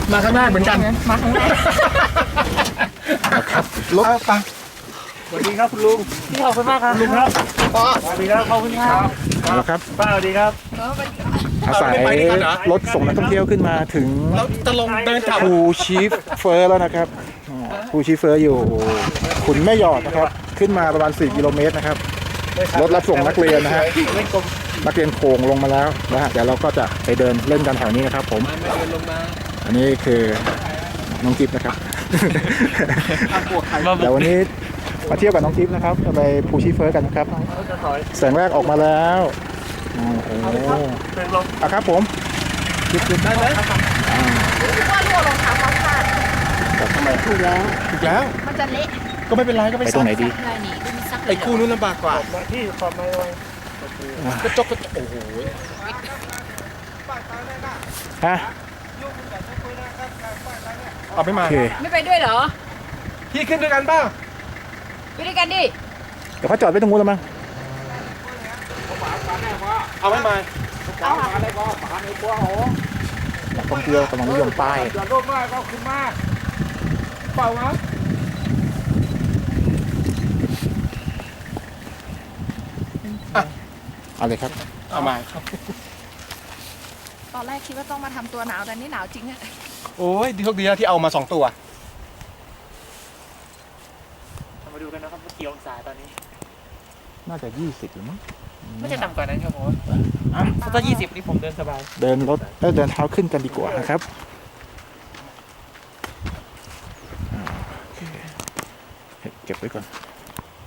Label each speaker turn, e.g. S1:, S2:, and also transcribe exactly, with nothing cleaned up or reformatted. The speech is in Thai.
S1: มาข้างหน้าเหมือนกัน
S2: มาข้างหน้า
S1: ครับรถไป
S3: สวัสดีครับคุณลุง
S2: ขอบคุณมากครับ
S3: ลุงครับสวัสดีครับขอบคุณครับ
S1: เอาละครับ
S3: ป้าสวัสดีครับ
S1: อาศัยรถส่งนักท่องเที่ยวขึ้นมาถึงจะลงเดินภูชีเฟอร์แล้วนะครับภูชีเฟอร์อยู่ขุนแม่หยอดนะครับขึ้นมาประมาณสี่กิโลเมตรนะครับรถรับส่งนักเรียนนะฮะนักเรียนโขงลงมาแล้วนะฮะเดี๋ยวเราก็จะไปเดินเล่นกันแถวนี้นะครับผมอันนี้คือน้องจิ๊บนะครับเดี๋ยววันนี้มาเที่ยวกับน้องจิ๊บนะครับไปภูชีเฟอร์กันนะครับแสงแรกออกมาแล้วโอ้โหอ่ะครับผมจิ๊บจิ๊บได้ไหม
S2: ว่ารั่วรองเท้าเขาขาด
S1: ทำไมถูกแล้วถูกแล้ว
S2: มันจะเละ
S1: ก็ไม่เป็นไรก็ไปตรงไหนดีไอ้คู่นู้นลำบากกว่า
S3: ที่ขอบมาเลย
S1: กระจกกระจกโอ้โหฮะเอาไม่มา
S2: ไม่ไปด้วยเหรอ
S1: พี่ขึ้นด้วยกันเปล่า
S2: ไปด้วยกันดิ
S1: เดี๋ยวเขาจอดไว้ตรงนู้นแล้วมั้งเอาไม่มา
S2: เอาค่ะ
S1: นักท่องเที่ยวกำลังนิยมป้าย
S3: จอดรถมากก็ขึ้นมาเปล่านะ
S1: เอาเลยครับเอามาครับ
S2: ตอนแรกคิดว่าต้องมาทำตัวหนาวแต่นี่หนาวจริงอะ
S1: โอ้ยดีโชคดีนะที่เอามาสองตัว
S3: มาดูกันนะครับว่ากี่องศาตอนนี้
S1: น่าจะยี่สิบหรือมั้ง
S3: ไม่จะต่ำกว่านั้นครับผมถ้ายี่สิบนี่ผมเดินสบาย
S1: เดินรถแล้วเดินเท้าขึ้นกันดีกว่านะครับเก็บไว้ก่อน